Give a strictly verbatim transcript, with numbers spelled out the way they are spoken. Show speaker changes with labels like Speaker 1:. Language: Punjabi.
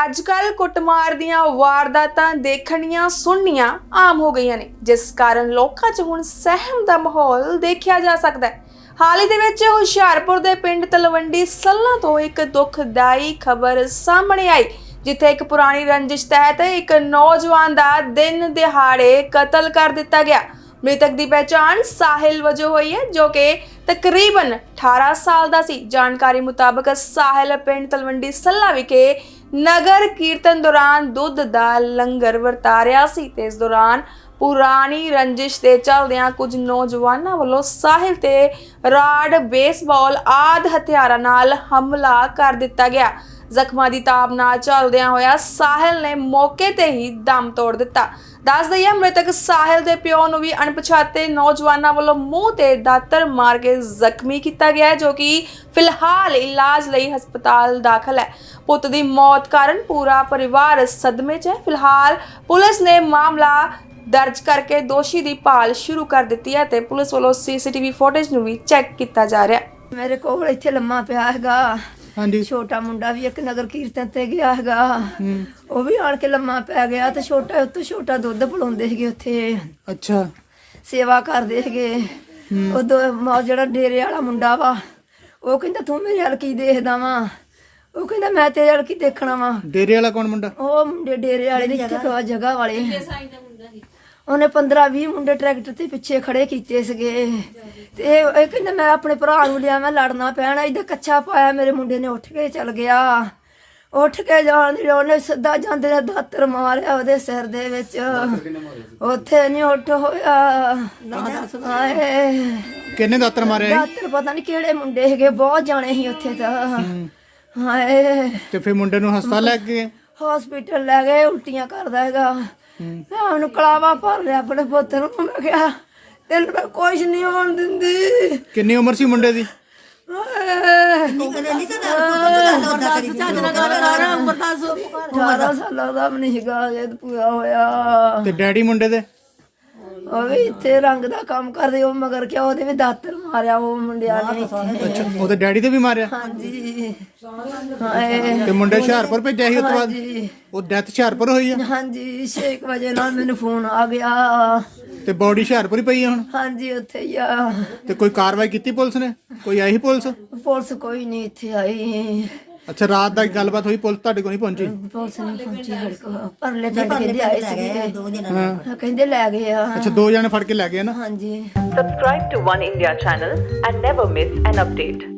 Speaker 1: अजकल कुटमार दीयां वारदातां देखणियां सुननियां आम हो गईयां ने, जिस कारण लोकां 'च हुण सहम दा माहौल देखिया जा सकदा है। हाल ही दे विच हुशियारपुर दे पिंड तलवंडी सल्लां तो एक दुखदाई खबर सामने आई, जिथे एक पुरानी रंजिश तहत एक नौजवान दा दिन दिहाड़े कतल कर दिता गया। मृतक की पहचान साहिल वजों हुई है, जो कि तकरीबन अठारह साल का सी। जानकारी मुताबिक साहिल पिंड तलवंडी सल्ला विखे नगर कीर्तन दौरान दुध दा लंगर वरता रहा सी ते इस दौरान पुरानी रंजिश के चलदियां कुछ नौजवानों वालों साहिल ते राड बेसबॉल आदि हथियारां नाल हमला कर दिता गया। जख्मां दी ताब नाल चलदियां होया साहिल ने मौके ते ही दम तोड़ दिता। दस दईए मृतक साहिल दे प्यो नूं भी अणपछाते नौजवानों वालों मूँह ते दातर मार के जख्मी किया गया है, जो कि फिलहाल इलाज लई हस्पताल दाखिल है। पुत दी मौत कारण पूरा परिवार सदमे च है। फिलहाल पुलिस ने मामला दर्ज करके दोषी की भाल शुरू कर दी है ते पुलिस वालों सीसीटीवी फुटेज नूं भी चैक किया जा रहा है।
Speaker 2: मेरे कोल इत्थे लम्मा पिया हैगा।
Speaker 3: ਹਾਂਜੀ
Speaker 2: छोटा मुंडा भी एक नगर कीर्तन ते गया हैगा, ਉਹ ਵੀ ਆਣ ਕੇ ਲੰਮਾ ਪੈ ਗਿਆ ਤੇ ਛੋਟਾ ਉਤੋਂ ਛੋਟਾ ਦੁੱਧ ਪਿਲਾਉਂਦੇ ਸੀਗੇ ਉੱਥੇ,
Speaker 3: ਅੱਛਾ
Speaker 2: ਸੇਵਾ ਕਰਦੇ ਸੀਗੇ। ਉਹ ਜਿਹੜਾ ਡੇਰੇ ਵਾਲਾ ਮੁੰਡਾ ਵਾ ਉਹ ਕਹਿੰਦਾ ਤੂੰ ਮੇਰੇ ਹਲ ਕੀ ਦੇਖਦਾ ਵਾ, ਉਹ ਕਹਿੰਦਾ ਮੈਂ ਤੇਰੇ ਹਲ ਕੀ ਦੇਖਣਾ ਵਾ।
Speaker 3: ਡੇਰੇ ਵਾਲਾ ਕੌਣ ਮੁੰਡਾ?
Speaker 2: ਉਹ ਮੁੰਡੇ ਡੇਰੇ ਵਾਲੇ ਦੀ ਜਗ੍ਹਾ ਜਗ੍ਹਾ ਵਾਲੇ ਉਹਨੇ ਪੰਦਰਾਂ ਵੀਹ ਮੁੰਡੇ ਟਰੈਕਟਰ ਤੇ ਪਿੱਛੇ ਖੜੇ ਕੀਤੇ ਸੀਗੇ ਤੇ ਇਹ ਕਹਿੰਦਾ ਮੈਂ ਆਪਣੇ ਭਰਾ ਨੂੰ ਲਿਆ, ਮੈਂ ਲੜਨਾ ਪੈਣਾ। ਇਹਦਾ ਕੱਚਾ ਪਾਇਆ ਮੇਰੇ ਮੁੰਡੇ ਨੇ, ਉੱਠ ਕੇ ਚਲ ਗਿਆ। ਉੱਠ ਕੇ ਜਾਣ ਦੀ ਉਹਨੇ ਸਿੱਧਾ ਜਾਂਦੇ ਨੇ ਦਾਤਰ ਮਾਰਿਆ ਉਹਦੇ ਸਿਰ ਦੇ ਵਿੱਚ, ਉੱਥੇ ਨਹੀਂ ਉੱਠ ਹੋਇਆ। ਹਾਏ
Speaker 3: ਕਿੰਨੇ ਦਾਤਰ ਮਾਰਿਆ?
Speaker 2: ਦਾਤਰ ਪਤਾ ਨਹੀਂ ਕਿਹੜੇ ਮੁੰਡੇ ਸੀਗੇ, ਬਹੁਤ ਜਾਣੇ ਸੀ ਉੱਥੇ ਤਾਂ। ਹਾਏ
Speaker 3: ਤੇ ਫਿਰ ਮੁੰਡੇ ਨੂੰ ਹਸਪਤਾਲ ਲੈ ਗਏ?
Speaker 2: ਹਸਪੀਟਲ ਲੈ ਗਏ, ਉਲਟੀਆਂ ਕਰਦਾ ਹੈਗਾ। ਮੈਂ ਉਹਨੂੰ ਕਲਾਵਾ ਭਰ ਲਿਆ ਆਪਣੇ ਪੁੱਤ ਨੂੰ, ਮੈਂ ਕਿਹਾ ਤੈਨੂੰ ਮੈਂ ਕੁਛ ਨਹੀਂ ਹੋਣ ਦਿੰਦੀ।
Speaker 3: ਕਿੰਨੀ ਉਮਰ ਸੀ ਮੁੰਡੇ ਦੀ?
Speaker 2: ਅਠਾਰਾਂ ਸਾਲਾਂ ਦਾ ਵੀ ਨਹੀਂ ਸੀਗਾ ਜਦ ਪੂਰਾ ਹੋਇਆ।
Speaker 3: ਤੇ ਡੈਡੀ ਮੁੰਡੇ ਦੇ?
Speaker 2: ਉਹ ਵੀ ਇੱਥੇ ਰੰਗ ਦਾ ਕੰਮ ਕਰਦੇ, ਉਹ ਮਗਰ ਕਿਆ ਉਹਦੇ ਵੀ ਦਾਤਰ ਮਾਰਿਆ ਉਹ ਮੁੰਡਿਆਂ ਨੇ।
Speaker 3: ਅੱਛਾ ਉਹਦੇ ਡੈਡੀ ਤੇ ਵੀ ਮਾਰਿਆ?
Speaker 2: ਹਾਂਜੀ। ਹਾਏ
Speaker 3: ਤੇ ਮੁੰਡੇ ਹੁਸ਼ਿਆਰਪੁਰ ਭੇਜਿਆ ਸੀ ਉਸ ਤੋਂ ਬਾਅਦ?
Speaker 2: ਹਾਂਜੀ
Speaker 3: ਉਹ ਡੈਥ ਹੁਸ਼ਿਆਰਪੁਰ ਹੋਈ ਆ?
Speaker 2: ਹਾਂਜੀ ਛੇ ਕੁ ਵਜੇ ਨਾਲ ਮੈਨੂੰ ਫੋਨ ਆ ਗਿਆ।
Speaker 3: ਤੇ ਬੋਡੀ ਹੁਸ਼ਿਆਰਪੁਰ ਹੀ ਪਈ ਆ ਹੁਣ?
Speaker 2: ਹਾਂਜੀ ਉੱਥੇ ਹੀ ਆ।
Speaker 3: ਤੇ ਕੋਈ ਕਾਰਵਾਈ ਕੀਤੀ ਪੁਲਿਸ ਨੇ? ਕੋਈ ਆਈ ਪੁਲਿਸ?
Speaker 2: ਪੁਲਿਸ ਕੋਈ ਨਹੀਂ ਇੱਥੇ ਆਈ।
Speaker 3: ਅੱਛਾ ਰਾਤ ਦਾ ਗੱਲਬਾਤ ਹੋਈ, ਪੁਲਿਸ ਤੁਹਾਡੇ ਕੋਲ ਨਹੀਂ ਪਹੁੰਚੀ?
Speaker 2: ਪੁਲਿਸ ਨਹੀਂ ਪਹੁੰਚੀ ਸਾਡੇ ਕੋਲ। ਪਰਲੇ ਪਿੰਡ ਕਹਿੰਦੇ ਆਏ ਸੀਗੇ, ਹਾਂ ਕਹਿੰਦੇ ਲੈ ਗਏ ਆ।
Speaker 3: ਅੱਛਾ ਦੋ ਜਣੇ ਫੜ ਕੇ ਲੈ ਗਏ ਨਾ?
Speaker 2: ਹਾਂਜੀ।
Speaker 4: Subscribe to One India channel and never miss an update.